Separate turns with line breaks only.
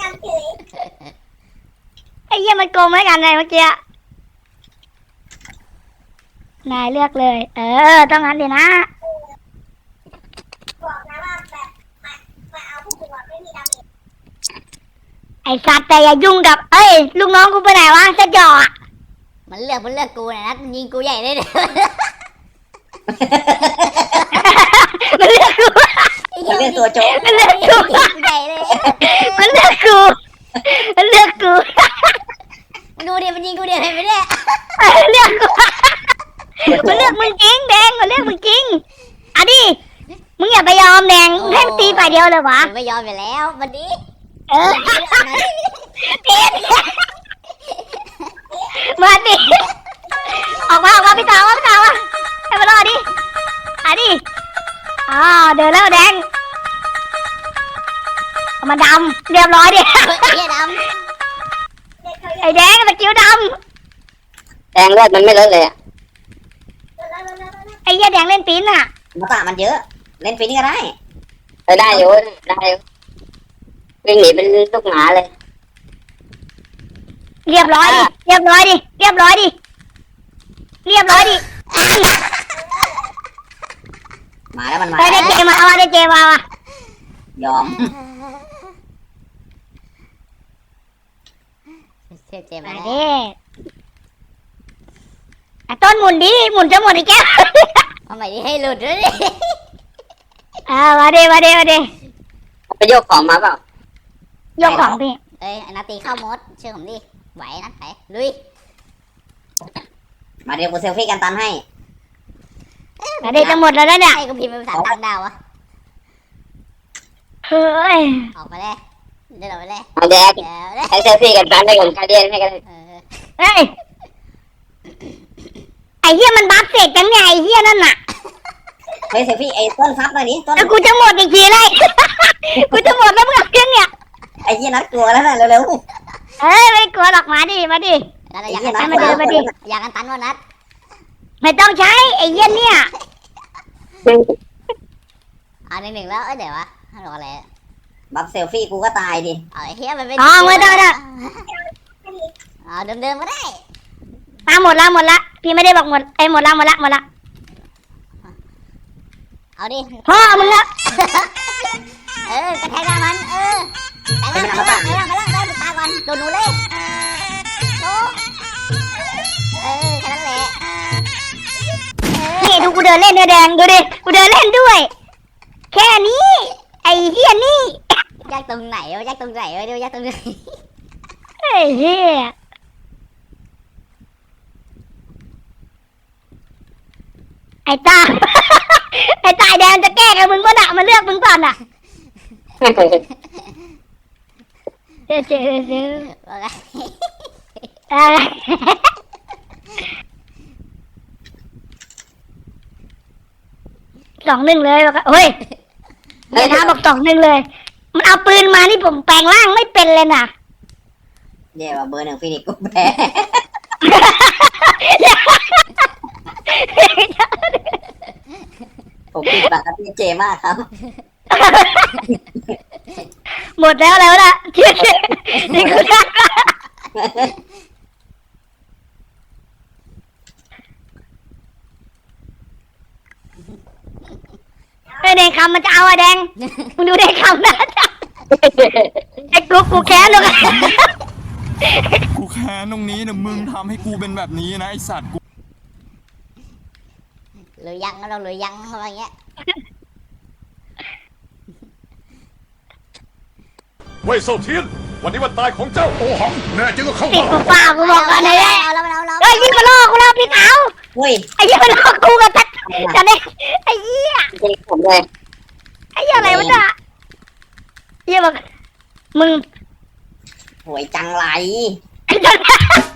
ไอ้เหี้ยมันโกงไม่กันเลยเมื่อกี้นายเลือกเลยต้องงั้นเดี๋ยวนะไอ้สัตว์แต่อย่ายุ่งกับลูกน้องกูไปไหนวะจะจ่อ
มันเลือกกูนะนัดมันยิงกูใหญ่เลยเนี่ย
มันเลือกกู
มันเลือกตัวโจ๊ก
มันเลือกกู
ใหญ่เลย
มันเลือกกูมันเลือกกู
ดูดิมันยิงกูเดี๋ยวเห็นไหมเนี่ย
เลือกกูมันเลือกมึงจริงแดงมันเลือกมึงจริงอ่ะดิมึงอย่าไปยอมแดงให้ตีฝ่ายเดียวเลยวะ
ไม่ยอมไปแล้ววันนี้
มาดิออกมาพี่สาวให้มารอดิอ่ะดิเดินแล้วแดงมันดำเรียบร้อยดิไอ้แดงสกิลด
แดงเลือดมันไม่เลอะเลย
ไอ้เหี้ยแดงเล่นปีนอ่ะ
มาตามันเยอะเล่นปีนี้ก็ได้
ได้อยู่วิ่งหนีเป็นลูกหมาเลย
เรียบร้อยดิเรียบร้อยดิ
มาแล้วมันมา
ได้เจมาว่ะ
ยอม
เจ็บมา
ดิต้นหมุนดิหมุนจะหมดอีกแก้ว
เอาใหม่ดิให้หลุดด้วยดิ
มาดิ
ไปโยกของมาเปล่าย
กของพี่
นาตีเข้ามดเชื่อผมดิไหวนัดไปลุย
มาเดี๋ยวกูเซลฟี่กันตันให้
มาดิจะหมดแล้วเนี่ย
ให้กูพิมพ์เป็นภาษาต่างดาวอะ
เฮ้ย
ออกมาเลยเดินออกมาเลย
เอาแดกให้เซลฟี่กันตันได้ก่อนการเรียนให้กัน
เฮ้ยไอ้เหี้ยมันบัฟเสร็จจังไงไอ้เหี้ยนั่นน่ะ
เฮ้ยเซลฟี่ไอ้ต้นซับมาดิต้น
กูจะหมดอีกทีเลยกูจะหมดแล้วมึงเอาเครื่องเนี่ย
ไอ้เหี้ยนัดกลัวแล้วนะเร็ว
ไม่กลัวหรอกมาดิ
อยากกันตันว่านัด
ไม่ต้องใช้ไอ้เหี้ยเนี่ย
หนึ่งแล้วเดี๋ยววะรออะไร
บัฟเซลฟี่กูก็ตายดิ
ไอ้เฮียมันเป็น
ไม่ได้
เดิมก็ได้
หมดละพี่ไม่ได้บอกหมดหมดละ
เอาดิ
พ่อมึงละ
กระแทกหน้ามันแต่ละได้ตาก่อนโดนหนูเลยแค่นั้นแหละ
นี่ดูกูเดินเล่นด้วยแดงดูดิกูเดินเล่นด้วยแค่นี้ไอ้เหี้ยนี่
ยากตรงไหนเดี๋ยวยากตรงไหน
ไอ้เหี้ยไอ้ตาแดงจะแก้กับมึงก็หนักมันเลือกมึงก่อนอ่ะเจ๊2-1เลยบอกเฮ้ยเดี๋ยวท้าบอก2-1เลยมันเอาปืนมานี่ผมแปลงร่างไม่เป็นเลยนะ
เดี๋ยวเบอร์1ฟินิกกูแพ้ผมปิดปากกับพี่เจมากครับ
หมดแล้วล่ะนี่คือแดงคำมันจะเอาแดงมึงดูแดงคำนะไอ้กูแค้นเลย
กูแค้นตรงนี้นะมึงทำให้กูเป็นแบบนี้นะไอสัตว์กู
หรือยังเราหรือยังอะไรเงี้ย
เว่ยเซาเทียนวันนี้วันตายของเจ้าโอหังแน่จริงก็เข้า
มา
ติด
ป่ากูบอกกันเลยยิ่งมาล่อกูแล้วพี่เขาไอ้ยิ่งมาล่อกูกับจันเนี่ยไอ้เหี้ย
ผมเลย
ไอ้เหี้ยอะไรวะเนี่ยเหี้ยบอกมึง
หวยจังไร